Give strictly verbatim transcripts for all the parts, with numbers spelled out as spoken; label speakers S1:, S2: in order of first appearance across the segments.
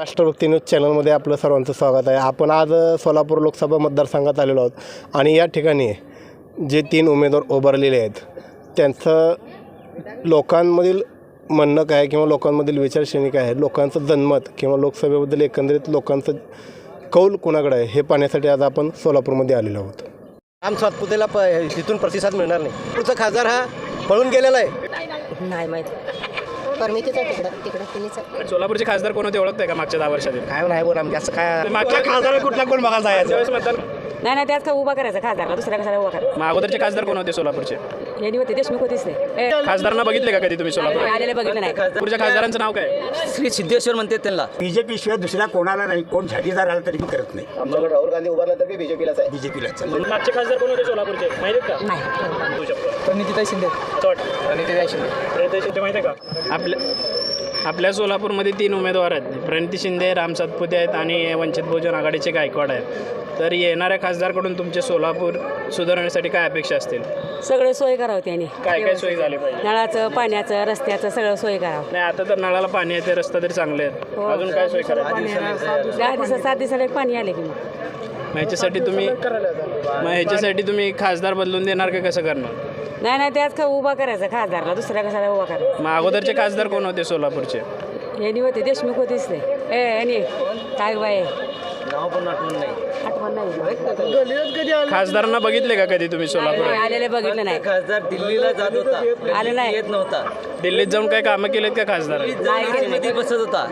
S1: राष्ट्रभक्ती news चॅनलमध्ये आपलं सर्वांचं स्वागत आहे. आपण आज सोलापूर लोकसभा मतदारसंघात आलेलो आहोत आणि या ठिकाणी जे तीन उमेदवार उभारलेले आहेत त्यांचं लोकांमधील म्हणणं काय किंवा लोकांमधील विचारश्रेणी काय आहे, लोकांचं जनमत किंवा लोकसभेबद्दल एकंदरीत लोकांचं कौल कोणाकडे आहे हे पाहण्यासाठी आज आपण सोलापूरमध्ये आलेलो आहोत.
S2: राम सातपुतेला प तिथून प्रतिसाद मिळणार नाही. पुढचा खासदार हा पळून गेलेला आहे.
S3: नाही माहिती परमितीच आहे तिकडं तिकडं तिन्हीच.
S4: सोलापूरचे खासदार कोण होते ओळखताय का मागच्या दहा वर्षातील?
S2: काय नाही बोल आमच्या असं काय
S4: मागच्या खासदार कुठला कोण बघायला जायचं मतदान?
S3: नाही नाही त्यात का उभा करायचा खासदारला दुसऱ्या कशाला उभा करायचा.
S4: मग अगोदरचे खासदार कोण होते सोलापूरचे?
S3: यांनी होते देशमुख होतीच नाही.
S4: खासदारांना बघितले का कधी तुम्ही सोलापूर?
S3: आलेले बघितलं नाही.
S4: पुढच्या खासदारांचं नाव काय?
S2: श्री सिद्धेश्वर म्हणते त्यांना.
S5: बीजेपी शिवाय दुसऱ्या कोणाला नाही, कोण झाडीदार आला तरी मी करत नाही.
S2: आमच्याकडे राहुल गांधी उभारला तर बीजेपीलाच आहे.
S5: बीजेपीलाच
S4: मागचे खासदार कोण होते सोलापूरचे माहिती का?
S3: नाही
S2: प्रणितीताई शिंदे. प्रणितीताई शिंदे.
S4: प्रणिती शिंदे माहिती आहे का? आपल्या आपल्या सोलापूरमध्ये तीन उमेदवार आहेत. प्रणिती शिंदे, राम सातपुते आहेत आणि वंचित बहुजन आघाडीचे गायकवाड आहेत. तर येणाऱ्या खासदारकडून तुमचे सोलापूर सुधारण्यासाठी काय अपेक्षा असतील?
S3: सगळे सोय करावं त्यांनी.
S4: काय काय सोयी झाली पाहिजे?
S3: नळाचं पाण्याचं रस्त्याचं सगळं सोय करावं.
S4: नाही आता तर नळाला पाणी येते, रस्ता तरी चांगले आहेत. अजून काय सोय करायची?
S3: दहा दिवसात सात दिवसाला एक पाणी आले की मग
S4: मग ह्याच्यासाठी तुम्ही मग ह्याच्यासाठी तुम्ही खासदार बदलून देणार का कसं करणार?
S3: नाही नाही त्यात का उभा करायचा खासदारला दुसऱ्या कशाला उभा करायचा.
S4: मग अगोदरचे खासदार कोण होते सोलापूरचे?
S3: यांनी होते देशमुख होतीच नाही. ए यांनी काय बाय
S2: नाव पण आठवण नाही.
S3: आठवण नाही.
S4: खासदारांना बघितले का कधी तुम्ही सोलापूर?
S3: आलेले बघितलं नाही.
S2: खासदार दिल्लीला जात होता.
S3: आले नाही.
S2: येत नव्हता.
S4: दिल्लीत जाऊन काय कामं केलेत का खासदार?
S2: मध्ये बसत होता.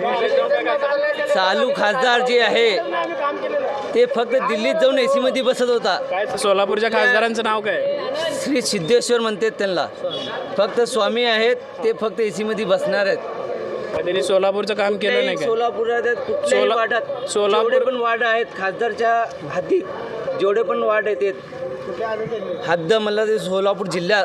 S2: चालू खासदार जे आहे ते फक्त दिल्लीत जाऊन एसी मध्ये बसत होता.
S4: काय सोलापूरच्या खासदारांचं नाव काय?
S2: श्री सिद्धेश्वर म्हणतात त्यांना. फक्त स्वामी आहेत ते फक्त एसी मध्ये बसणार आहेत.
S4: त्यांनी सोलापूरचं काम केलं नाही का?
S2: सोलापुरात कुठल्याही
S4: सोला-
S2: वार्डात
S4: सोलापूर-
S2: जेवढे पण वार्ड आहेत खासदारच्या हद्दीत जेवढे पण वार्ड आहेत हद्द म्हणलं ते सोलापूर जिल्हा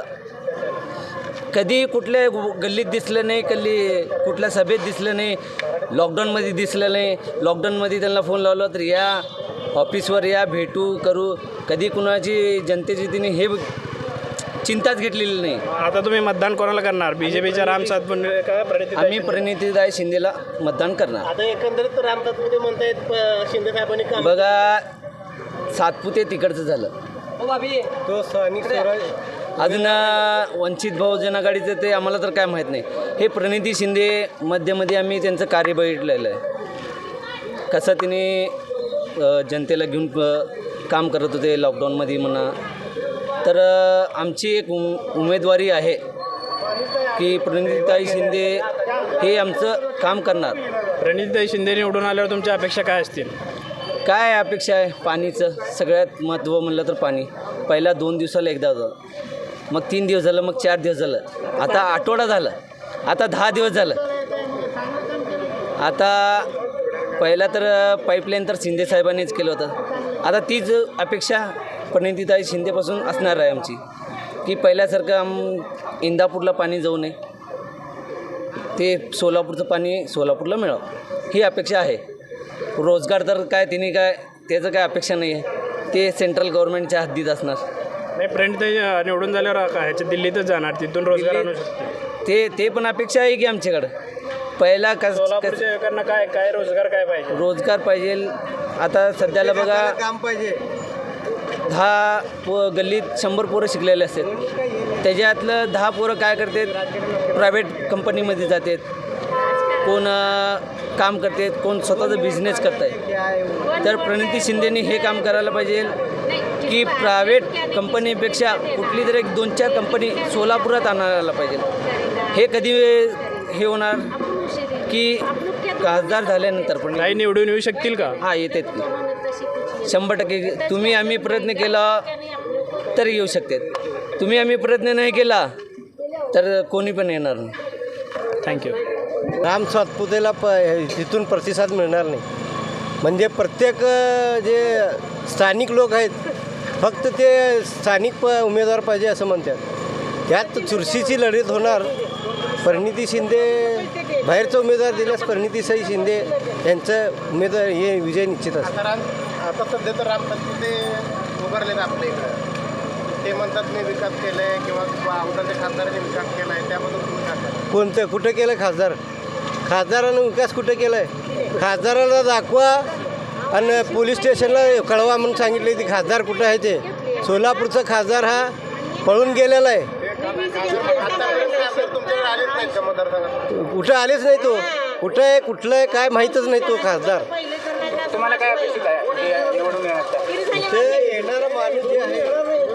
S2: कधी कुठल्या गल्लीत दिसलं नाही, कधी कुठल्या सभेत दिसलं नाही, लॉकडाऊनमध्ये दिसलं नाही. लॉकडाऊनमध्ये त्यांना फोन लावला तर या ऑफिसवर या, भेटू करू. कधी कुणाची जनतेची तिने हे चिंताच घेतलेली नाही.
S4: आता तुम्ही मतदान कोणाला करणार? बीजेपीच्या राम सातपुते का प्रणिती?
S2: आम्ही प्रणितीताई शिंदेला मतदान करणार.
S1: आता एकंदरीत राम सातपुते म्हणतायत शिंदे साहेबांनी काम
S2: बघा सातपुते तिकडचं झालं.
S1: तो स्थानिक स्वराज
S2: अजून वंचित बहुजन आघाडीचं ते आम्हाला तर काय माहीत नाही. हे प्रणिती शिंदे मध्यमध्ये आम्ही त्यांचं कार्य बघितलेलं आहे. कसं तिने जनतेला घेऊन काम करत होते लॉकडाऊनमध्ये म्हणा. तर आमची एक उम उमेदवारी आहे की प्रणितीताई शिंदे हे आमचं काम करणार.
S4: प्रणितीताई शिंदे निवडून आल्यावर तुमच्या अपेक्षा काय असतील?
S2: काय अपेक्षा आहे? पाणीचं सगळ्यात महत्त्व म्हणलं तर पाणी. पहिला दोन दिवसाला एकदा होतं, मग तीन दिवस झालं, मग चार दिवस झालं, आता आठवडा झालं, आता दहा दिवस झालं. आता पहिला तर पाईपलाईन तर शिंदे साहेबांनीच केलं होतं. आता तीच अपेक्षा प्रणितीताई शिंदेपासून असणार आहे आमची की पहिल्यासारखं आम इंदापूरला पाणी जाऊ नये, ते सोलापूरचं पाणी सोलापूरला मिळावं ही अपेक्षा आहे. रोजगार तर काय तिने काय त्याचं काय अपेक्षा नाही आहे, ते सेंट्रल गव्हर्नमेंटच्या हद्दीत असणार.
S4: नाही प्रणितीताई निवडून झाल्यावर काय ह्याच्या दिल्लीतच जाणार, तिथून रोजगार आणू शकते.
S2: ते ते पण अपेक्षा आहे की आमच्याकडं पहिला कस
S4: सोलापूरच्या युवकांना काय काय रोजगार काय पाहिजे?
S2: रोजगार पाहिजे. आता सध्याला बघा
S1: काम पाहिजे.
S2: दहा पो गल्लीत शंभर पोरं शिकलेले असतात, त्याच्यातलं दहा पोरं काय करतात प्रायव्हेट कंपनीमध्ये जातात, कोण काम करतात, कोण स्वतःचा बिझनेस करत आहे. तर प्रणिती शिंदेनी हे काम करायला पाहिजे की प्रायव्हेट कंपनीपेक्षा कुठली तरी एक दोन चार कंपनी सोलापुरात आणायला पाहिजे. हे कधी हे होणार की खासदार झाल्यानंतर पण
S4: काही निवडून येऊ शकतील का?
S2: हां येतात की शंभर टक्के. तुम्ही आम्ही प्रयत्न केला तर येऊ शकतात, तुम्ही आम्ही प्रयत्न नाही केला तर कोणी पण येणार नाही.
S4: थँक्यू.
S1: राम सातपुतेला प तिथून प्रतिसाद मिळणार नाही. म्हणजे प्रत्येक जे स्थानिक लोक आहेत फक्त ते स्थानिक प उमेदवार पाहिजे असं म्हणतात. त्यात चुरशीची लढत होणार. प्रणिती शिंदे बाहेरचा उमेदवार दिल्यास प्रणितीताई शिंदे यांचं उमेदवार हे विजय निश्चित असतं. आता सध्या तर राम सातपुते उभारलेत आपल्या इकडं. ते म्हणतात मी विकास केला आहे किंवा अगोदरच्या खासदाराने विकास केला आहे, त्याबद्दल तुम्ही काय सांगाल? कोणतं कुठं केलं खासदार? खासदारानं विकास कुठं केला आहे? खासदाराला दाखवा आणि पोलीस स्टेशनला कळवा म्हणून सांगितले की खासदार कुठं आहे ते. सोलापूरचा खासदार हा पळून गेलेला आहे, कुठं आलेच नाही तो. कुठं आहे कुठलं आहे काय माहीतच नाही तो खासदार.
S4: तुम्हाला काय अपेक्षित आहे निवडून येण्याचा?
S1: ते येणारा माणूस जे आहे,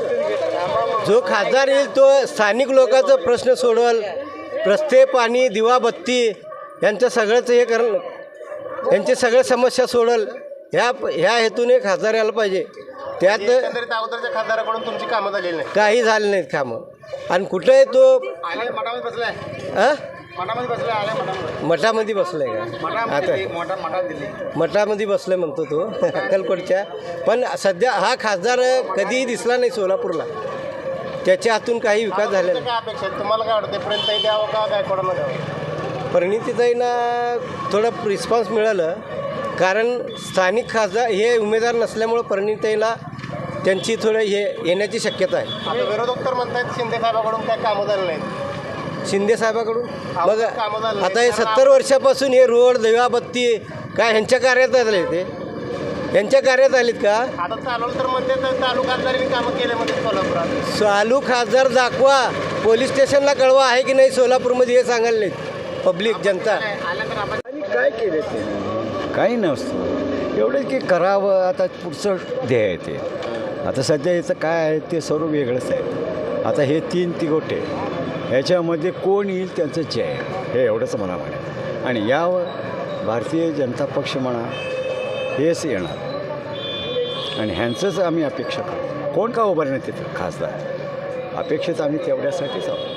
S1: जो खासदार येईल तो स्थानिक लोकांचा प्रश्न सोडवल. रस्ते, पाणी, दिवाबत्ती यांचं सगळंच हे कर यांची सगळ्या समस्या सोडल. ह्या ह्या हेतूने खासदार यायला पाहिजे. त्यात
S6: अगोदरच्या खासदाराकडून तुमची कामं झालेली नाही.
S1: काही झालं नाहीत कामं. आणि कुठं आहे तो
S6: आले मठामध्ये बसलाय,
S1: हां
S6: मठामध्ये बसलाय, आले मठामध्ये
S1: मठामध्ये बसलाय का? आता
S6: मोठा मठात दिली.
S1: मठामध्ये बसलाय म्हणतो तो अक्कलकोटच्या. पण सध्या हा खासदार कधीही दिसला नाही सोलापूरला. त्याच्या हातून काही विकास झालेला नाही.
S6: काय अपेक्षा आहे तुम्हाला? काय वाटतं पर्यंत द्यावं का गायकवाडांना द्यावं?
S1: परिणितीताईंना थोडं रिस्पॉन्स मिळालं, कारण स्थानिक खासदार हे उमेदवार नसल्यामुळं परिणितीताईला त्यांची थोडं हे येण्याची शक्यता आहे.
S6: आता विरोधक तर म्हणतायत शिंदे साहेबाकडून काय कामं झालं नाहीत.
S1: शिंदे साहेबाकडून मग
S6: कामं झालं नाही.
S1: आता हे सत्तर वर्षापासून हे रोड, दिवाबत्ती काय ह्यांच्या कार्यात आले ते यांच्या कार्यात आलीत का?
S6: आता चालवलं तर म्हणते तालुकादारांनी कामं केले म्हणजे सोलापुरात.
S1: चालू खासदार दाखवा, पोलीस स्टेशनला कळवा आहे की नाही सोलापूरमध्ये हे सांगायला नाहीत पब्लिक जनता.
S7: काय केले ते काही नसतं. एवढंच की करावं. आता पुढचं ध्येय आहे ते. आता सध्या याचं काय आहे ते सर्व वेगळंच आहे. आता हे तीन तिगोटे ह्याच्यामध्ये कोण येईल त्यांचं जय आहे, हे एवढंच मला म्हणे. आणि यावर भारतीय जनता पक्ष म्हणा हेच येणार आणि ह्यांचंच आम्ही अपेक्षा करू. कोण का उभारणार तिथं खासदार? अपेक्षित आम्ही तेवढ्यासाठीच आहोत.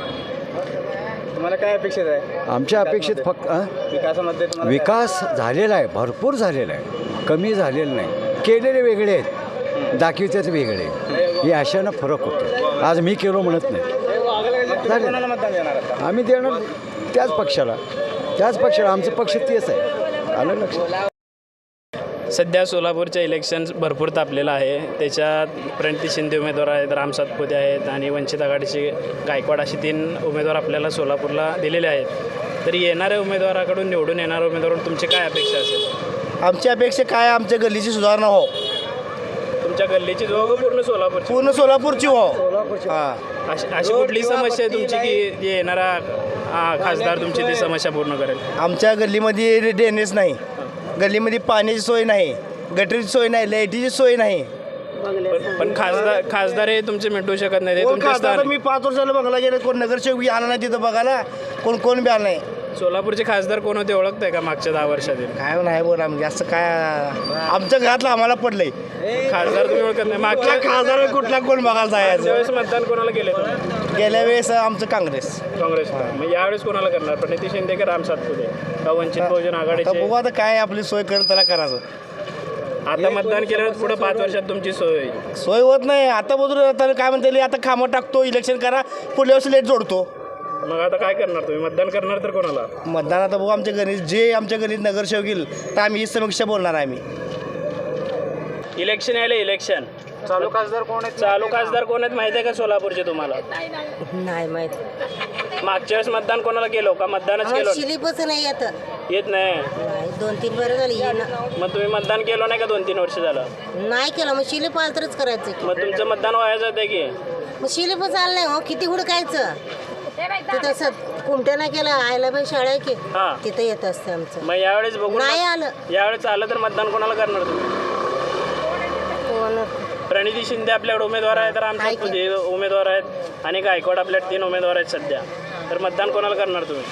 S4: तुम्हाला काय अपेक्षित आहे
S7: आमच्या अपेक्षित फक्त अं?
S4: विकासामध्ये? तुम्हाला
S7: विकास झालेला आहे, भरपूर झालेला आहे, कमी झालेलं नाही. केलेले वेगळे आहेत, दाखवितात वेगळे. हे अशानं फरक होतो. आज मी केलो म्हणत नाही. झाले.
S4: कोणाला मतदान देणार आता?
S7: आम्ही देणार त्याच पक्षाला, त्याच पक्षाला. आमचं पक्ष तेच आहे. आलं लक्षात?
S4: सध्या सोलापूरचं इलेक्शन भरपूर तापलेलं आहे. त्याच्यात प्रणिती शिंदे उमेदवार आहेत, राम सातपुते आहेत आणि वंचित आघाडीचे गायकवाड असे तीन उमेदवार आपल्याला सोलापूरला दिलेले आहेत. तर येणाऱ्या उमेदवाराकडून निवडून येणाऱ्या उमेदवाराकडून तुमची काय अपेक्षा असेल?
S6: आमची अपेक्षा काय? आमच्या गल्लीची सुधारणा हो,
S4: तुमच्या गल्लीची जो पूर्ण सोलापूरची
S6: पूर्ण सोलापूरची हो. हां,
S4: अशी अशी कुठली समस्या आहे तुमची की जे येणारा आ, खासदार तुमची ती समस्या पूर्ण करेल?
S6: आमच्या गल्लीमध्ये ड्रेनेज नाही, गल्लीमध्ये पाण्याची सोय नाही, गटरीची सोय नाही, लाईटीची सोय नाही.
S4: पण- पण खासदार खासदार हे तुमचे मिटवू शकत नाही. ते
S6: कोण
S4: तुमचे
S6: खासदार?
S4: स्थान
S6: मी पाच वर्षाला बघायला गेलं, कोण नगरसेवक बी आला नाही तिथं बघायला, कोण कोण बी आला नाही.
S4: सोलापूरचे खासदार कोण होते ओळखताय का मागच्या दहा वर्षातील?
S6: काय नाही बोला म्हणजे असं काय आमच्या घरातलं आम्हाला पडलंय.
S4: खासदार तुम्ही ओळखत नाही. मागच्या
S6: खासदार कुठला कोण बघायला जायचं?
S4: वेळेस मतदान कोणाला केले तुम्ही?
S6: गेल्या वेळेस आमचं काँग्रेस.
S4: काँग्रेस. मग यावेळेस कोणाला करणार? प्रणिती शिंदे का राम सातपुते का वंचित बहुजन
S6: आता
S4: आघाडीचे?
S6: बघू आता काय आपली सोय करत त्याला करायचं.
S4: आता मतदान केल्यावर पुढे पाच वर्षात तुमची सोय होईल.
S6: सोय होत नाही. आता बघू आता काय म्हणते, आता कामं टाकतो, इलेक्शन करा, पुढल्या वर्षी लेट जोडतो.
S4: मग आता काय करणार तुम्ही? मतदान करणार तर कोणाला?
S6: मतदान आता बघू आमच्या गणित जे आमच्या गणित नगरसेवक येईल तर आम्ही ही समीक्षा बोलणार आहे. आम्ही
S4: इलेक्शन यायला इलेक्शन चालू खासदार कोण आहेत? चालू खासदार कोण आहेत माहिती आहे का सोलापूरचे तुम्हाला?
S3: नाही माहिती.
S4: मागच्या वेळेस मतदान कोणाला केलो का? मतदानच केलो
S3: शिलीपच नाही येत.
S4: येत नाही.
S3: नाही, दोन तीन बरं झाली
S4: मग तुम्ही मतदान केलं नाही का? दोन तीन वर्ष झालं.
S3: नाही केलं. मग शिलीप आलं तरच करायचं की.
S4: मग तुमचं मतदान वाया जाते की?
S3: मग शिलीपच आलं नाही. हो किती हुडकायचं ते तसं कुमट्या नाही केलं. आयला बाई शाळा आहे की
S4: हां.
S3: तिथं येत असते आमचं.
S4: मग यावेळेस बघू.
S3: नाही आलं.
S4: यावेळेस आलं तर मतदान कोणाला करणार तुम्ही?
S3: कोण
S4: प्रणिती शिंदे आपल्याकडे उमेदवार आहेत, राम सातपुते उमेदवार आहेत आणि गायकवाड आपल्याकडे तीन उमेदवार आहेत सध्या. तर मतदान कोणाला करणार तुम्ही?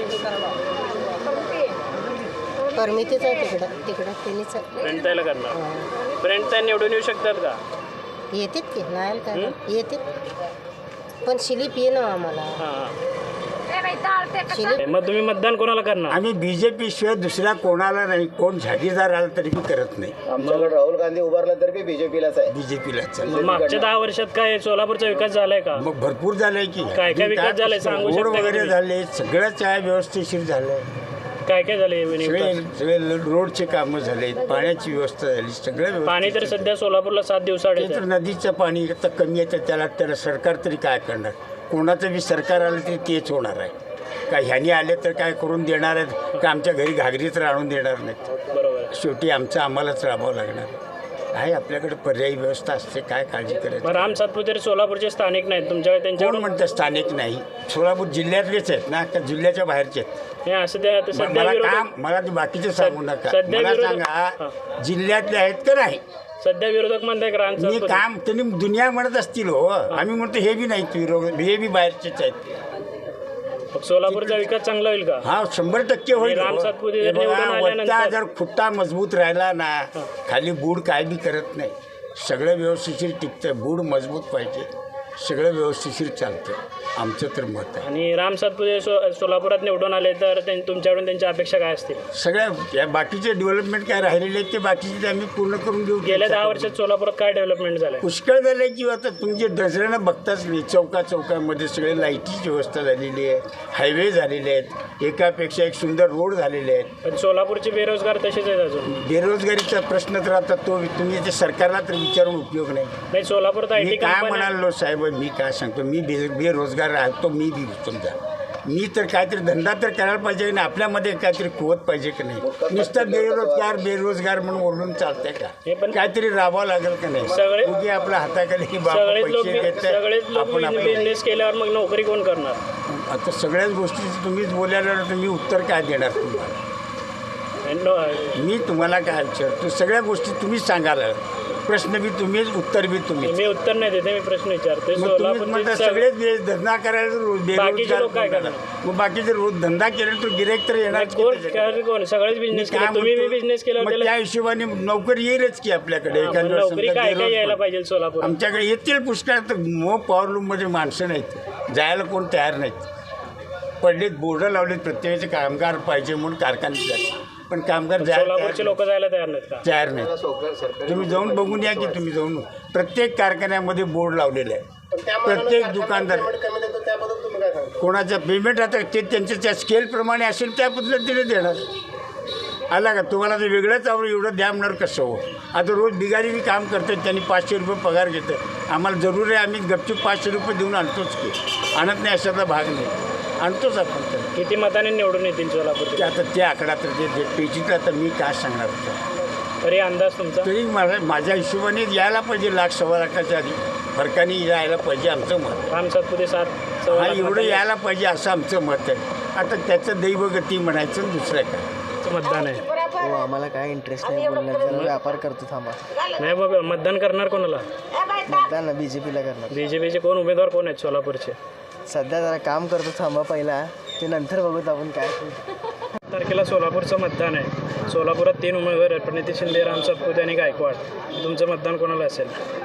S3: परमितीच आहे तिकडं तिकडं तिनेच
S4: प्रणिताईला करणार. प्रणिताई निवडून येऊ शकतात का?
S3: येतात की नाही काय येतात. पण शिलीप ये ना आम्हाला.
S4: हां.
S3: शिलीप
S4: मग तुम्ही मतदान कोणाला करणार?
S5: आम्ही बी जे पी शिवाय दुसऱ्या कोणाला नाही. कोण झाडीदार आला तरी मी करत नाही.
S6: आमच्याकडे राहुल गांधी उभारला तर बी बीजेपीलाच आहे.
S5: बी जे पीला
S4: मग मागच्या दहा वर्षात काय सोलापूरचा विकास झालाय का?
S5: मग भरपूर झालंय की.
S4: काय काय विकास झालाय सांगू
S5: रोड
S4: शकता का
S5: वगैरे
S4: तुम्ही?
S5: झाले, सगळं चाय व्यवस्थेशीर झालंय.
S4: काय काय झाले
S5: सगळे
S4: विकास?
S5: सगळे रोडचे कामं झाले, पाण्याची व्यवस्था झाली, सगळं
S4: पाणी तर सध्या सोलापूरला सात दिवसाआड
S5: ते तर
S4: येतं.
S5: नदीचं पाणी आता कमी येतं, त्याला त्याला सरकार तरी काय करणार? कोणाचं बी सरकार आलं तरी तेच होणार आहे. का ह्यानी आले तर काय करून देणार आहेत का आमच्या घरी घागरीच राहून देणार नाहीत.
S4: बरोबर आहे.
S5: शेवटी आमचं आम्हालाच राबावं लागणार आहे. आपल्याकडे पर्यायी व्यवस्था असते, काय काळजी करायची.
S4: मग राम सातपुते सोलापूरचे स्थानिक नाहीत तुमच्याकडे,
S5: कोण
S4: त्यांच्याकडून
S5: म्हणतं स्थानिक नाही? सोलापूर जिल्ह्यातलेच आहेत ना का जिल्ह्याच्या बाहेरचे आहेत?
S4: हे असं ते आता
S5: म-
S4: सध्या
S5: मला
S4: विरोधक
S5: काम मला ते बाकीचे सांगू नका.
S4: सध्या
S5: मला
S4: विरोधक-
S5: सांगा जिल्ह्यातले आहेत का नाही?
S4: सध्या विरोधक म्हणताय राम
S5: मी
S4: सातपुते
S5: काम त्यांनी दुनिया म्हणत असतील हो. आम्ही म्हणतो हे बी नाहीत विरोध, हे बी बाहेरचेच आहेत.
S4: मग सोलापूरचा विकास चांगला होईल का?
S5: हा शंभर टक्के होईल
S4: राम
S5: हो.
S4: सातपुते
S5: हे
S4: जर निवडून
S5: बघा,
S4: आल्यानंतर-
S5: वरचा जर खुट्टा मजबूत राहिला ना खाली बूड काय बी करत नाही. सगळं व्यवस्थिशीर टिकतं. बूड मजबूत पाहिजे, सगळं व्यवस्थिशीर चालतं. आमचं तर मत आहे.
S4: आणि राम सातपुते सो सोलापुरात निवडून आले तर त्यां- तुमच्याकडून त्यांच्या अपेक्षा काय असतील?
S5: सगळ्या या बाकीचे डेव्हलपमेंट काय राहिलेले आहेत ते बाकीचे ते आम्ही पूर्ण करून देऊ.
S4: गेल्या दहा वर्षात सोलापुरात काय डेव्हलपमेंट झालं?
S5: पुष्कळ झालं की आता तुमचे दसऱ्यानं बघताच नाही. चौका चौकामध्ये सगळे लाईटीची व्यवस्था झालेली आहे, हायवे झालेले आहेत, एकापेक्षा एक सुंदर रोड झालेले आहेत.
S4: पण सोलापूरचे बेरोजगार तसेच आहेत अजून.
S5: बेरोजगारीचा प्रश्न तर आता तो तुम्ही ते सरकारला तर विचारून उपयोग नाही.
S4: नाही सोलापुरात आय
S5: मी
S4: टी
S5: काय
S4: कंपन्या
S5: म्हणालो साहेब, मी काय सांगतो, मी बे बेरोजगार राहतो. मी बी समजा मी तर काहीतरी धंदा तर करायला पाहिजे की नाही. आपल्यामध्ये काहीतरी कुवत पाहिजे की नाही. नुसतं बेरोजगार बेरोजगार म्हणून ओरडून चालतंय
S4: हे
S5: का?
S4: पण-
S5: काहीतरी राबावं लागेल का नाही?
S4: सगळे-
S5: उगी आपल्या हाताखाली की बाबा
S4: सगळेच लोक
S5: पैसे देत
S4: सगळेच लोक
S5: आपण आपलं-
S4: बिझनेस केल्यावर मग नोकरी कोण करणार?
S5: आता सगळ्याच गोष्टी तुम्हीच बोलायला तर मी उत्तर काय देणार तुम्हाला?
S4: आणि नो-
S5: मी तुम्हाला काय विचारतो, सगळ्या गोष्टी तुम्हीच सांगाल. प्रश्न बी तुम्हीच, उत्तर बी तुम्हीच.
S4: मी उत्तर नाही देते, मी प्रश्न विचारतोय.
S5: मग तुम्हीच म्हणता
S4: सोलापूरचे
S5: सगळेच बे- धंदा करायला तर रोज
S4: बाकीचे
S5: बेरोजगार
S4: लोक काय
S5: कोण
S4: करणार?
S5: करणार? मग बाकीचे रोज धंदा केला तर गिराईक तर येणार
S4: नाही, कोण काय- कोण सगळेच बिझनेस केला, तुम्ही बी बिझनेस केला
S5: मग त्या हिशोबाने नोकरी येईलच की आपल्याकडे.
S4: हा,
S5: एखाद्या
S4: मग
S5: वेळेस
S4: नोकरी
S5: समजा
S4: काय काय
S5: बेरोज
S4: यायला
S5: पड-
S4: पाहिजे सोलापूर?
S5: आमच्याकडे येतील पुष्कळ. तर मो पॉवर लूममध्ये माणसं नाहीत, जायला कोण तयार नाहीत. पडलेत बोर्ड लावलेत प्रत्येकाचे कामगार पाहिजे म्हणून कारखान्यात जायचे. पण कामगार जायला
S4: सोलापूरचे
S5: तयार
S4: लोक जायला तयार नाहीत का?
S5: तयार नाही. तुम्ही जाऊन बघून या की तुम्ही जाऊन प्रत्येक कारखान्यामध्ये बोर्ड लावलेले आहे. प्रत्येक दुकानदार कोणाचं पेमेंट आता ते त्यांच्या त्या स्केलप्रमाणे असेल त्या पद्धतीने देणार. आला का तुम्हाला ते वेगळंच आवड एवढं द्या म्हणणार कसं हो? आता रोज बिगारी बी काम करतात, त्यांनी पाचशे रुपये पगार घेतात. आम्हाला जरूर आहे, आम्ही गपचूप पाचशे रुपये देऊन आणतोच की. आणत नाही अशाचा भाग नाही, आणतोच आपण तर.
S4: किती मताने निवडून येतील सोलापूर?
S5: ते आता ते आकडा तर ते ते पेचीत आता मी काय सांगणार होतं.
S4: तरी अंदाज तुमचा?
S5: तरी माझ्या माझ्या हिशोबाने यायला पाहिजे लाख सव्वा लाखाच्या आधी फरकाने यायला पाहिजे आमचं मत.
S4: राम सातपुते सात सव्वा
S5: हा
S4: लाख
S5: एवढं
S4: मतांनी
S5: यायला पाहिजे असं आमचं मत आहे. आता त्याचं दैवगती म्हणायचं आणि दुसरं काय.
S4: मतदान आहे.
S8: हो आम्हाला काय इंटरेस्ट नाही बोलण्यात, जरा व्यापार करतो थांबा.
S4: नाही बाबा, मतदान करणार कोणाला?
S8: मतदान बी जे पीला करणार.
S4: बीजेपीचे कोण उमेदवार कोण आहेत सोलापूरचे?
S8: सध्या जरा काम करतो थांबा पहिला, ते नंतर बघूत आपण काय.
S4: तारखेला सोलापूरचं मतदान आहे. सोलापुरात तीन उमेदवार आहेत, प्रणिती शिंदे, राम सातपुते आणि गायकवाड. तुमचं मतदान कोणाला असेल?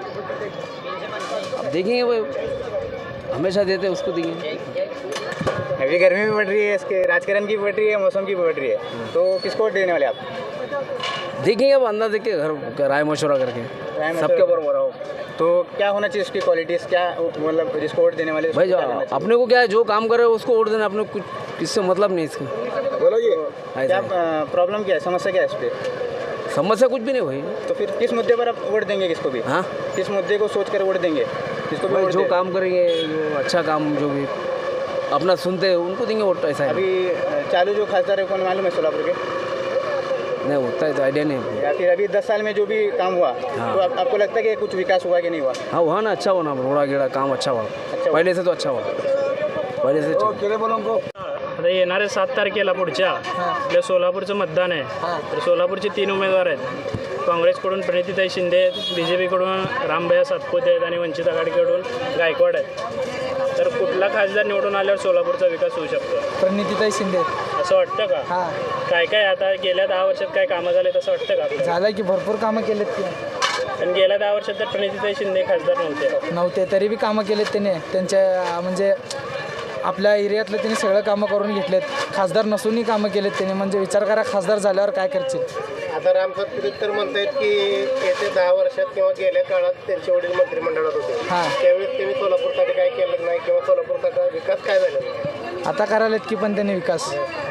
S2: अब देखेंगे वो, हमेशा देते उसको देंगे.
S9: अभी गर्मी भी बढ़ रही है, इसके राजकारण की भी बढ़ रही है, मौसम की भी बढ़ रही है, तो किसको वोट देने वाले आप?
S2: देखेंगे अब अंदाज देख के घर राय मशवरा करके
S9: राय
S2: सबके
S9: मशवरा-
S2: बराबर आओ.
S9: तो क्या होना चाहिए उसकी क्वालिटीज़, क्या मतलब जिसको वोट देने वाले उसको
S2: भाई जो
S9: क्या करना
S2: अपने को क्या है, जो काम करे उसको वोट देना, अपने को कुछ किससे मतलब नहीं इसका.
S9: चाहिए? बोलोगे क्या प्रॉब्लम क्या है, समस्या क्या है इस पर?
S2: समस्या कुछ भी नहीं भाई.
S9: तो फिर किस मुद्दे पर आप वोट देंगे किसको भी?
S2: हाँ
S9: किस मुद्दे को सोच कर वोट देंगे किसको भी
S2: भाई
S9: वोट
S2: जो
S9: दें?
S2: काम करेंगे, जो अच्छा काम जो भी अपना सुनते हैं उनको देंगे वोट. ऐसा है
S9: अभी अ, चालू जो खासदार है कौन मालूम है सोलापुर के?
S2: नहीं होता है तो आइडिया नहीं है.
S9: या फिर अभी दस साल में जो भी काम हुआ
S2: हाँ.
S9: तो आप, आपको लगता है कि कुछ विकास हुआ कि नहीं हुआ?
S2: हाँ हुआ ना, अच्छा हुआ ना, रोड़ा गेड़ा काम अच्छा हुआ.
S9: हुआ.
S2: पहले से तो अच्छा हुआ, पहले से ठीक.
S9: केले बोलो उनको.
S4: आता येणाऱ्या सात तारखेला पुढच्या आपल्या सोलापूरचं मतदान आहे. तर सोलापूरचे तीन उमेदवार आहेत. काँग्रेसकडून प्रणितीताई शिंदे आहेत, बी जे पीकडून रामभैया सातपुते आहेत आणि वंचित आघाडीकडून गायकवाड आहेत. तर कुठला खासदार निवडून आल्यावर सोलापूरचा विकास होऊ शकतो
S8: प्रणितीताई शिंदे.
S4: असं वाटतं का?
S8: हां
S4: काय काय आता गेल्या दहा वर्षात काय कामं झाले तसं वाटतं का आपल्याला?
S8: झालं की भरपूर कामं केलेत की.
S4: पण गेल्या दहा वर्षात तर प्रणितीताई शिंदे खासदार नव्हते.
S8: नव्हते तरी बी कामं केलेत त्याने. त्यांच्या म्हणजे आपल्या एरियातलं त्यांनी सगळं कामं करून घेतलेत. खासदार नसूनही कामं केलेत त्यांनी. म्हणजे विचार करा खासदार झाल्यावर काय करतील.
S1: आता राम सातपुते तर म्हणतायत की येत्या दहा वर्षात किंवा गेल्या काळात त्यांचे वडील मंत्रिमंडळात होते,
S8: हां
S1: त्यावेळेस त्यांनी सोलापूरसाठी काय केलं नाही किंवा सोलापूरचा विकास काय झाला नाही.
S8: आता करायलेत की पण त्यांनी विकास.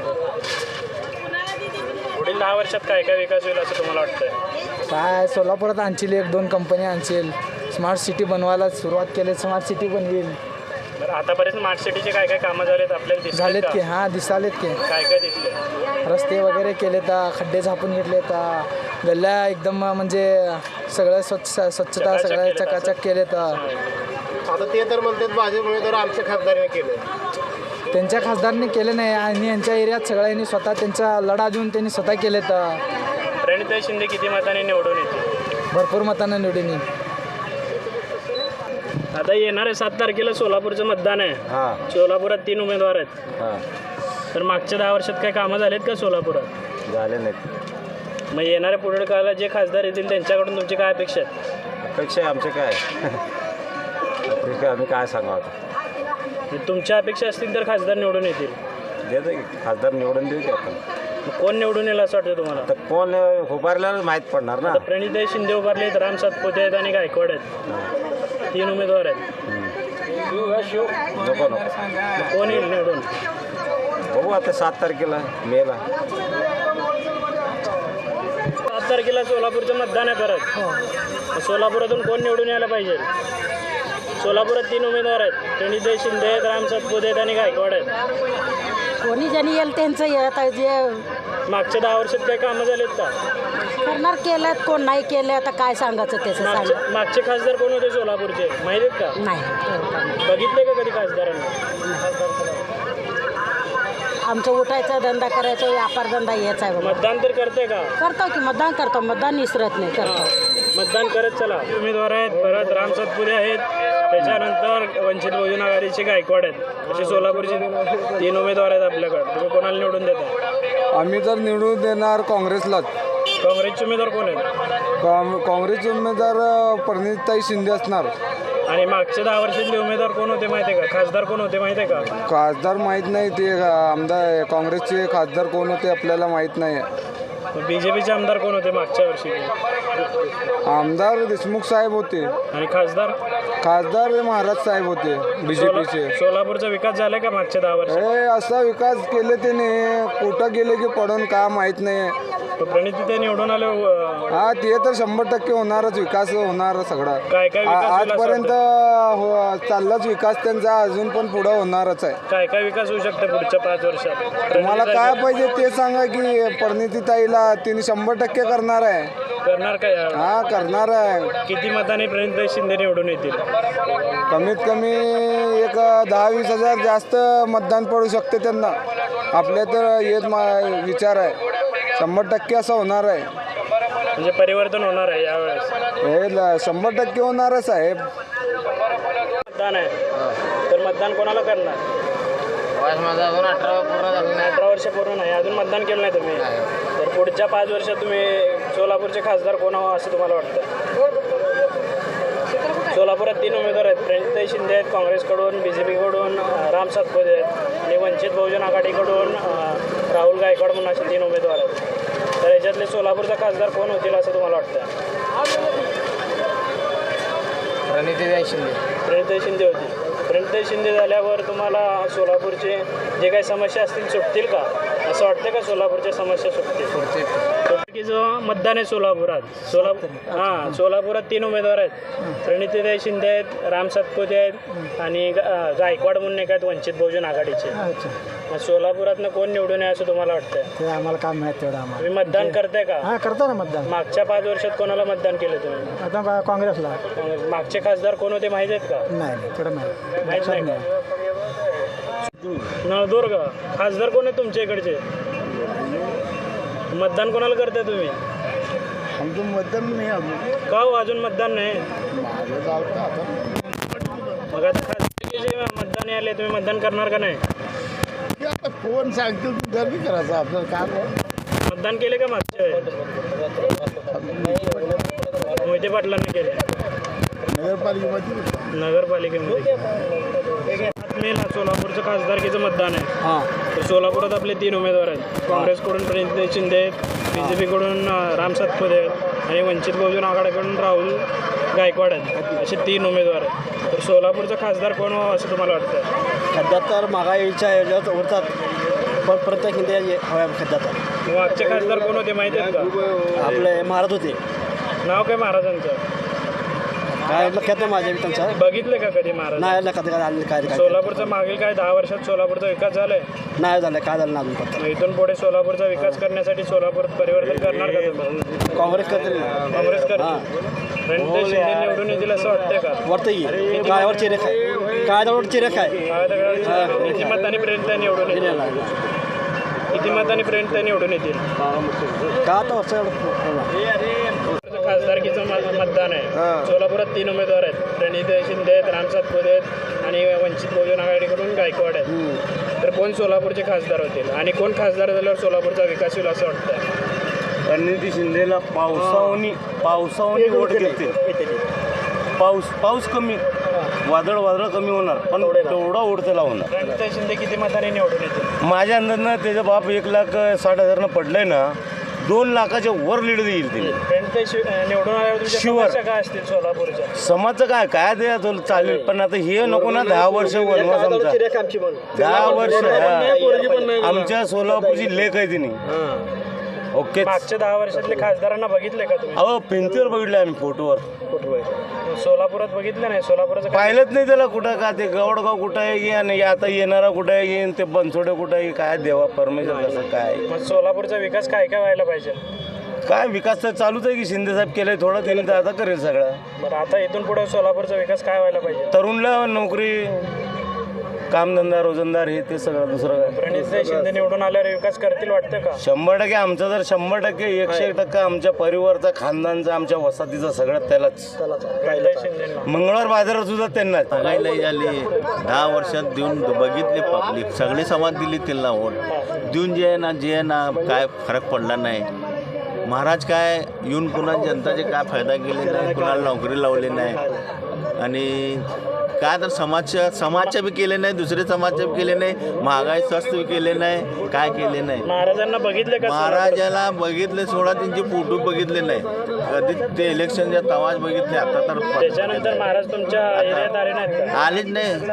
S4: पुढील दहा वर्षात काय काय विकास होईल असं तुम्हाला वाटतंय?
S8: काय सोलापुरात आणशील, एक दोन कंपन्या आणशील, स्मार्ट सिटी बनवायला सुरुवात केली, स्मार्ट सिटी बनवेल.
S4: बरं आतापर्यंत स्मार्ट सिटीचे काय काय कामं झालेत आपल्याला दिसलेत
S8: झालेत
S4: का?
S8: की हां दिसालेत की
S4: काय काय दिसले?
S8: रस्ते वगैरे केले तर खड्डे झापून घेतले तर गल्ल्या एकदम म्हणजे सगळं स्वच्छ स्वच्छता
S4: चकाचक
S8: सगळं
S4: केलेत
S8: चकाचक केले तर
S1: आता ते तर म्हणतात भाजप उमेदवार आमच्या खासदाराने केलं.
S8: त्यांच्या खासदारांनी केले नाही आणि यांच्या एरियात सगळ्यांनी स्वतः त्यांचा लढा देऊन त्यांनी स्वतः केले तर
S4: प्रणिताई शिंदे किती मताने निवडून येते?
S8: भरपूर मतांना निवडून येईल.
S4: आता येणाऱ्या सात तारखेला सोलापूरचं मतदान आहे.
S7: हां
S4: सोलापुरात तीन उमेदवार आहेत.
S7: हां
S4: तर मागच्या दहा वर्षात काय कामं झालेत का सोलापुरात?
S7: झाले नाहीत.
S4: मग येणाऱ्या पुढील काळात जे खासदार येतील त्यांच्याकडून तुमची काय अपेक्षा आहेत?
S7: अपेक्षा आमचे काय अपेक्षा आम्ही काय सांगावं आता.
S4: म्हणजे तुमच्या अपेक्षा असतील तर खासदार निवडून येतील.
S7: देतो की खासदार निवडून देऊ की आपण.
S4: मग कोण निवडून येईल असं वाटतं तुम्हाला?
S7: तर कोण उभारल्याला माहीत पडणार ना.
S4: आता प्रणिताई शिंदे उभारले आहेत, राम सातपुते आहेत आणि गायकवाड आहेत. तीन उमेदवार आहेत.
S7: नको नको
S4: मग कोण येईल निवडून?
S7: बघू आता सात तारखेला मेला.
S4: सात तारखेला सोलापूरचं मतदान आहे परत. मग सोलापुरातून कोण निवडून यायला पाहिजे? सोलापुरात तीन उमेदवार आहेत. प्रणिताई शिंदे आहेत, राम सातपुते आहेत आणि गायकवाड आहेत.
S3: कोणी ज्यांनी येईल त्यांचं येत आहे जे
S4: मागच्या दहा वर्षात काही कामं झालेत का?
S3: करणार केलं कोण नाही केलं आता काय सांगायचं त्याचं
S4: मागचे
S3: सांग
S4: मागचे खासदार कोण होते सोलापूरचे माहिती आहेत का?
S3: नाही.
S4: बघितले का कधी खासदारांना?
S3: आमचं उठायचा धंदा करायचा व्यापार धंदा हेच आहे बाबा.
S4: मतदान तर करते का?
S3: करतो की मतदान करतो मतदान विसरत नाही करतो.
S4: मतदान करत चला. उमेदवार आहेत, परत राम सातपुते आहेत, त्याच्यानंतर वंचित बहुजन आघाडीचे गायकवाड आहेत. असे सोलापूरचे तीन उमेदवार आहेत आपल्याकडे. तुम्ही कोणाला निवडून देता?
S6: आम्ही तर निवडून देणार काँग्रेसलाच.
S4: काँग्रेसचे उमेदवार कोण आहेत?
S6: काँग्रेसचे उमेदवार प्रणिताई शिंदे असणार.
S4: आणि मागच्या दहा वर्षातले उमेदवार कोण होते माहिती आहे का? खासदार कोण होते माहिती आहे का?
S6: खासदार माहीत नाही ते आमदार काँग्रेसचे खासदार कोण होते आपल्याला माहीत नाही.
S4: बी जे पीचे आमदार कोण होते मागच्या वर्षी?
S6: आमदार देशमुख साहेब होते
S4: आणि खासदार?
S6: खासदार महाराज साहेब होते बी जे पीचे.
S4: सोलापूरचा विकास झाला का मागच्या दहा वर्षात?
S6: हे असा विकास केले त्याने कुठं गेले की पडून का माहीत नाही.
S4: प्रणिती ते निवडून आले.
S6: हा ते तर शंभर टक्के होणारच विकास होणार सगळा.
S4: काय काय विकास होईल असं
S6: आजपर्यंत हो चाललाच विकास त्यांचा अजून पण पुढं होणारच आहे.
S4: काय काय विकास होऊ शकतो पुढच्या पाच वर्षात?
S6: तुम्हाला काय पाहिजे ते सांगा की परिणिती ताईला तिने शंभर टक्के करणार आहे.
S4: करणार काय?
S6: हा करणार आहे.
S4: किती मताने प्रणिती शिंदे निवडून येतील?
S6: कमीत कमी एक दहा वीस हजार जास्त मतदान पडू शकते त्यांना. आपल्या तर येत मा विचार आहे शंभर टक्के असं होणार आहे.
S4: म्हणजे परिवर्तन होणार आहे यावेळेस?
S6: हे ल- शंभर टक्के होणारच आहे.
S4: मतदान आहे तर मतदान कोणाला करणार?
S9: माझा अजून अठरा पूर्ण झालं नाही.
S4: अठरा वर्ष पूर्ण नाही अजून मतदान केलं नाही तुम्ही. तर पुढच्या पाच वर्षात तुम्ही सोलापूरचे खासदार कोण व्हावं असं तुम्हाला वाटतं? सोलापुरात तीन उमेदवार आहेत. प्रणिताई शिंदे आहेत काँग्रेसकडून, बी जे पीकडून राम सातपुते आहेत आणि वंचित बहुजन आघाडीकडून राहुल गायकवाड म्हणून असे तीन उमेदवार आहेत. तर याच्यातले सोलापूरचा खासदार कोण होतील असं तुम्हाला वाटतं?
S9: प्रणितीताई शिंदे.
S4: प्रणिताई शिंदे होती. प्रणिताई शिंदे झाल्यावर तुम्हाला सोलापूरचे जे काही समस्या असतील सुटतील का? असं वाटतं का सोलापूरच्या समस्या सुटतील? की जो मतदान आहे सोलापुरात सोलापूर हां सोलापुरात तीन उमेदवार आहेत. प्रणितीताई शिंदे आहेत, राम सातपुते आहेत आणि गा- गायकवाड म्हणून एक आहेत वंचित बहुजन आघाडीचे. मग सोलापुरातनं कोण निवडून आहे असं तुम्हाला वाटतं?
S8: ते आम्हाला काम माहीत तेवढं आम्हाला.
S4: तुम्ही मतदान करताय का?
S8: हां करतो ना मतदान.
S4: मागच्या पाच वर्षात कोणाला मतदान केलं तुम्ही?
S8: आता काँग्रेसला.
S4: मग मागचे खासदार कोण होते माहीत आहेत का?
S8: नाही थोडं माहीत.
S4: माहीत नाही का? नळदुर्ग खासदार कोण आहेत तुमच्या इकडचे? मतदान कोणाला करताय तुम्ही?
S6: आमचं मतदान नाही अजून.
S4: का हो अजून मतदान नाही? मग आता खासदारचे जे मतदान आले तुम्ही मतदान करणार का नाही?
S6: आता कोण सांगतील गर्दी करायचं आपल्याला काय.
S4: मतदान केले का मागच्या वेळेस? मोहिते पाटलांनी केले.
S6: नगरपालिकेमध्ये
S4: नगरपालिकेमध्ये मेला सोलापूरचं खासदारकीचं मतदान आहे.
S8: हां
S4: तर सोलापुरात आपले तीन उमेदवार आहेत. काँग्रेसकडून प्रणिती शिंदे आहेत, बी जे पीकडून राम सातपुते आहेत आणि वंचित बहुजन आघाडीकडून राहुल गायकवाड आहेत. असे तीन उमेदवार आहेत. तर सोलापूरचा खासदार कोण व्हावं असं तुम्हाला वाटतं?
S1: सध्या तर महागाईच्या ह्याच्यात उरतात पण प्रत्येक हिंदी हव्या सध्या तर.
S4: मागचे खासदार कोण होते माहिती आहेत का?
S1: आपले महाराज होते.
S4: नाव काय महाराजांचं?
S1: काय लक्षात नाही माझ्या त्यांच्या
S4: बघितले का कधी महाराज
S1: नाही लक्षात काय आले काय काय
S4: सोलापूरचा मागील काय दहा वर्षात सोलापूरचा विकास झालाय
S1: नाही झालं काय झालं ना अजून पत्ता
S4: मग इथून पुढे सोलापूरचा विकास करण्यासाठी सोलापूर परिवर्तन करणार का तुम्ही
S1: काँग्रेस करतील ना
S4: काँग्रेस करते रणजित शिंदे निवडून येतील असं वाटतंय का
S1: वाटतं की काळावर चिरेख आहे काळावर चिरेख आहे
S4: काय दगडात किती मतांनी पर्यंत निवडून येतील किती मतांनी पर्यंत निवडून येतील
S1: का आता असं
S4: खासदारकीचं म- मतदान आहे सोलापुरात तीन उमेदवार आहेत प्रणित शिंदे आहेत राम सातपुते आहेत आणि वंचित बहुजन आघाडीकडून गायकवाड आहेत तर कोण सोलापूरचे खासदार होतील आणि कोण खासदार झाल्यावर सोलापूरचा विकास होईल असं वाटतं
S1: रणनीती शिंदेला पावसावनी पावसावनी वोट घेतील पाऊस पाऊस कमी वादळ वादळ कमी होणार पण तेवढा वोट त्याला होणार
S4: रणजित शिंदे किती मतांनी निवडून येतील
S1: माझ्या अंदाजनं त्याचा बाप एक लाख साठ हजारनं पडलंय ना दोन लाखाच्या वर लीड देईल ते
S4: रणजित शि- निवडून आल्यावर तुमच्या
S1: शिवर.
S4: समस्या काय असतील सोलापूरच्या
S1: समाजचं काय काय ते आता चालेल पण आता हे नको ना दहा वर्ष वनवास आमचा दहा वर्ष हा. आमच्या सोलापूरची लेख आहे तिने ओके
S4: मागच्या दहा वर्षातले खासदारांना बघितले का तुम्ही
S1: अहो भिंतीवर बघितलं आम्ही फोटोवर
S4: सोलापुरात बघितलं नाही सोलापुराचं काय
S1: पाहिलंच नाही त्याला कुठं का ते गवडगाव कुठं आहे की आणि आता येणारा कुठं आहे येईन ते बनसोडे कुठं आहे काय देवा परमेश्वर कसं काय
S4: मग सोलापूरचा विकास काय काय व्हायला पाहिजे
S1: काय विकास तर चालूच आहे की शिंदे साहेब केलंय थोडं त्याने तर आता करेल सगळं
S4: बरं आता इथून पुढे सोलापूरचा विकास काय व्हायला पाहिजे
S1: तरुणला नोकरी कामधंदा रोजंदार हे ते सगळं दुसरं काय
S4: प्रणित शिंदे निवडून आल्यावर विकास करतील वाटतं का
S1: शंभर टक्के आमचा जर शंभर टक्के एकशे एक टक्का आमच्या परिवारचा खानदानचा आमच्या वसाहतीचा सगळं त्यालाच
S4: प्रणित शिंदेंना
S1: मंगळवार बाजारात सुद्धा त्यांनाच
S10: काय नाही झाली दहा वर्षात देऊन बघितले पब्लिक सगळे समाज दिली त्यांना वोट देऊन जे आहे ना जे आहे ना काय फरक पडला नाही महाराज काय येऊन पुन्हा जनताचे काय फायदा केले नाही कुणाला नोकरी लावली नाही आणि काय तर समाजच्या समाजच्या बी केले नाही दुसरे समाजच्या बी केले नाही महागाई स्वस्त बी केले नाही काय केले नाही
S4: महाराजांना बघितले का
S10: महाराजाला बघितले सोडा त्यांचे फोटो बघितले नाही कधी ते इलेक्शनच्या तवाच बघितले आता तर
S4: त्याच्यानंतर महाराज तुमच्या एरियात आले नाहीत का
S10: आलेच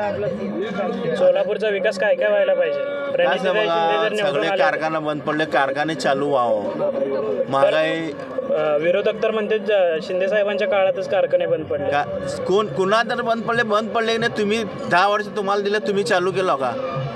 S10: नाही
S4: सोलापूरचा विकास काय काय व्हायला पाहिजे प्रणित
S10: असं
S4: शिंदे
S10: बघा
S4: जर निवडून
S10: सगळे
S4: आले
S10: कारखाना बंद पडले कारखाने चालू व्हावं महागाई
S4: अं, विरोधक तर म्हणते ज- शिंदे साहेबांच्या काळातच कारखाने बंद पडले
S10: का कोण कुणा तर बंद पडले बंद पडले की नाही तुम्ही दहा वर्ष तुम्हाला दिलं तुम्ही चालू केलं का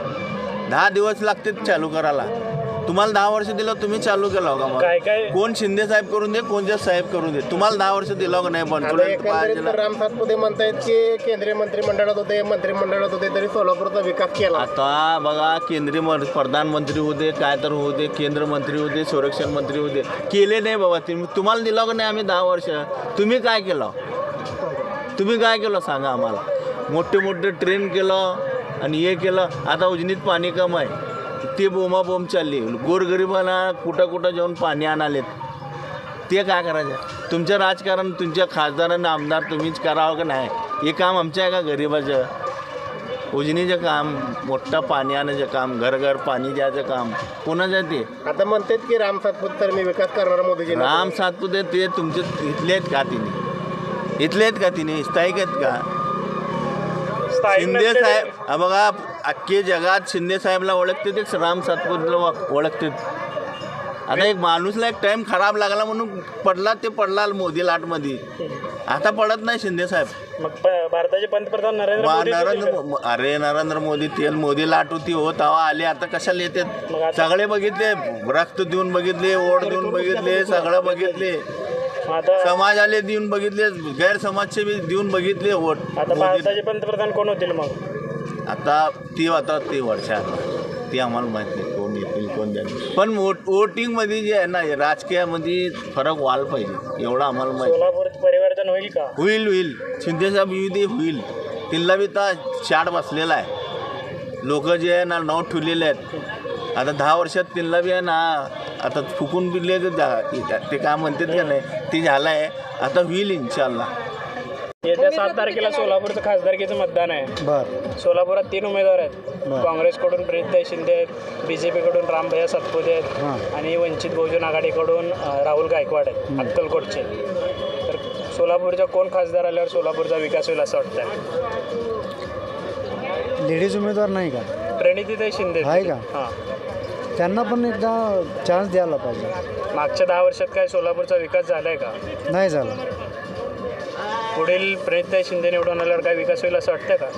S10: दहा दिवस लागते चालू करायला तुम्हाला दहा वर्ष दिलं तुम्ही चालू केलं का मग
S4: काय काय
S10: कोण शिंदे साहेब करून दे कोणत्या साहेब करून दे तुम्हाला दहा वर्ष दिलं का नाही बंद पडलं
S11: राम सातपुते म्हणतायत की केंद्रीय मंत्रिमंडळात होते मंत्रिमंडळात होते तरी सोलापूरचा विकास केला
S10: आता बघा केंद्रीय मं- प्रधानमंत्री होते काय तर होते केंद्र मंत्री होते संरक्षण मंत्री होते केले नाही बाबा तुम्ही तुम्हाला दिलं का नाही आम्ही दहा वर्ष तुम्ही काय केलं तुम्ही काय केलं सांगा आम्हाला मोठे मोठे ट्रेन केलं आणि हे केलं आता उजनीत पाणी कम आहे ते बोंबाबोंब चालली गोरगरिबांना कुठं कुठं जाऊन पाणी आणालेत ते काय करायचं तुमचं राजकारण तुमच्या खासदारांना आमदार तुम्हीच करावं का नाही हे काम आमच्या आहे का गरिबाचं उजनीचं काम मोठं पाणी आणायचं काम घर घर पाणी द्यायचं काम कोणाचं आहे ते
S11: आता म्हणतात की राम सातपुते तर मी विकास करणार मोदीजी
S10: राम सातपुते ते तुमचे इथले आहेत का तिने इथले आहेत का तिने स्थायिक आहेत का
S4: स्थायिक
S10: शिंदे
S4: नसलेले-
S10: साहेब हा बघा अख्खे जगात शिंदे साहेबला ओळखते ते राम सातपुतेला ओळखते आता एक माणूसला एक टाइम खराब लागला म्हणून पडला ते पडला मोदी लाटमध्ये आता पडत नाही शिंदे साहेब
S4: मग प- भारताचे पंतप्रधान नरेंद्र
S10: मा-
S4: मोदी
S10: नरेंद्र मो- अरे नरेंद्र मोदी तेल मोदी लाट होती हो तवा आले आता कशाला
S4: मग
S10: येतात
S4: आता-
S10: सगळे बघितले रक्त देऊन बघितले ओढ देऊन बघितले सगळं बघितले
S4: मग आता
S10: समाजाले देऊन बघितले गैरसमाजचे बी देऊन बघितले वोट
S4: आता भारताचे पंतप्रधान कोण होतील मग
S10: आता ती आता ते वर्षात ती आम्हाला माहित नाही कोण येतील कोण द्याल पण वोट वोटिंगमध्ये जे आहे ना राजकीयामध्ये फरक व्हायला पाहिजे एवढं आम्हाला माहिती
S4: सोलापूर परिवर्तन होईल का
S10: होईल होईल शिंदेसाहेब येऊ दे होईल तिला बी तर शाट बसलेला आहे लोक जे आहे ना नाव ठेवलेले आहेत आता दहा वर्षात तिला बी आहे ना आता फुकून बिले ते काय म्हणतात का नाही ते झालं आहे आता होईल इन्शाल्लाह
S4: येत्या सात तारखेला सोलापूरचं खासदारकीचं मतदान आहे
S1: बर
S4: सोलापुरात तीन उमेदवार आहेत काँग्रेसकडून प्रणित शिंदे आहेत बी जे पीकडून रामभैया सातपुते आहेत आणि वंचित बहुजन आघाडीकडून अ, राहुल गायकवाड आहेत अक्कलकोटचे तर सोलापूरच्या कोण खासदार आल्यावर सोलापूरचा विकास होईल असं वाटतं
S1: लेडीज उमेदवार नाही का
S4: प्रणितीताई शिंदे
S1: आहे का?
S4: हां
S1: त्यांना पण एकदा चान्स द्यायला पाहिजे
S4: मागच्या दहा वर्षात काय सोलापूरचा विकास झालाय का
S1: नाही झाला
S4: पुढील प्रणितताई शिंदे निवडून आल्यावर काय विकास होईल असं वाटतं का?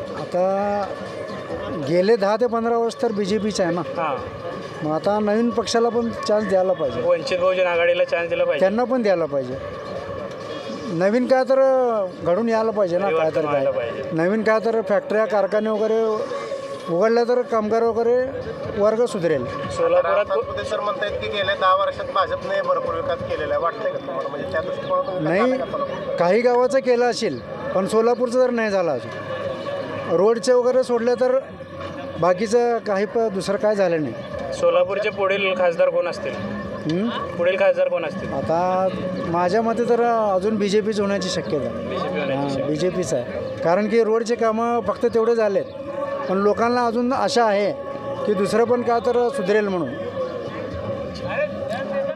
S12: आता गेले दहा ते पंधरा वर्ष तर बी जे पीचं आहे ना.
S4: हां,
S12: मग आता नवीन पक्षाला पण चान्स द्यायला पाहिजे,
S4: वंचित बहुजन आघाडीला चान्स दिला पाहिजे.
S12: त्यांना पण द्यायला पाहिजे. नवीन काय तर घडून यायला पाहिजे ना, काय तर
S4: व्हायला
S12: काय
S4: पाहिजे.
S12: नवीन काय तर फॅक्टऱ्या कारखाने वगैरे उघडल्या तर कामगार वगैरे वर्ग सुधरेल.
S4: सोलापुरात
S11: पुते सर म्हणतायत की गेल्या दहा वर्षात भाजपने भरपूर विकास केलेला आहे, वाटतंय का तुम्हाला? म्हणजे त्या दृष्टिकोनातून विकास झाला का सोलापूर?
S12: नाही, काही गावाचं केलं असेल पण सोलापूरचं तर नाही झालं अजून. रोडचे वगैरे सोडले तर बाकीचं काही प दुसरं काय झालं नाही.
S4: सोलापूरचे पुढील खासदार कोण असतील?
S12: हं?
S4: पुढील खासदार कोण असतील?
S12: आता माझ्या मते तर अजून बी जे पीच होण्याची शक्यता आहे.
S4: बीजेपी
S12: हां, बी जे पीच आहे. कारण की रोडचे कामं फक्त तेवढे झालेत पण लोकांना अजून आशा आहे की दुसरं पण काय तर सुधरेल म्हणून.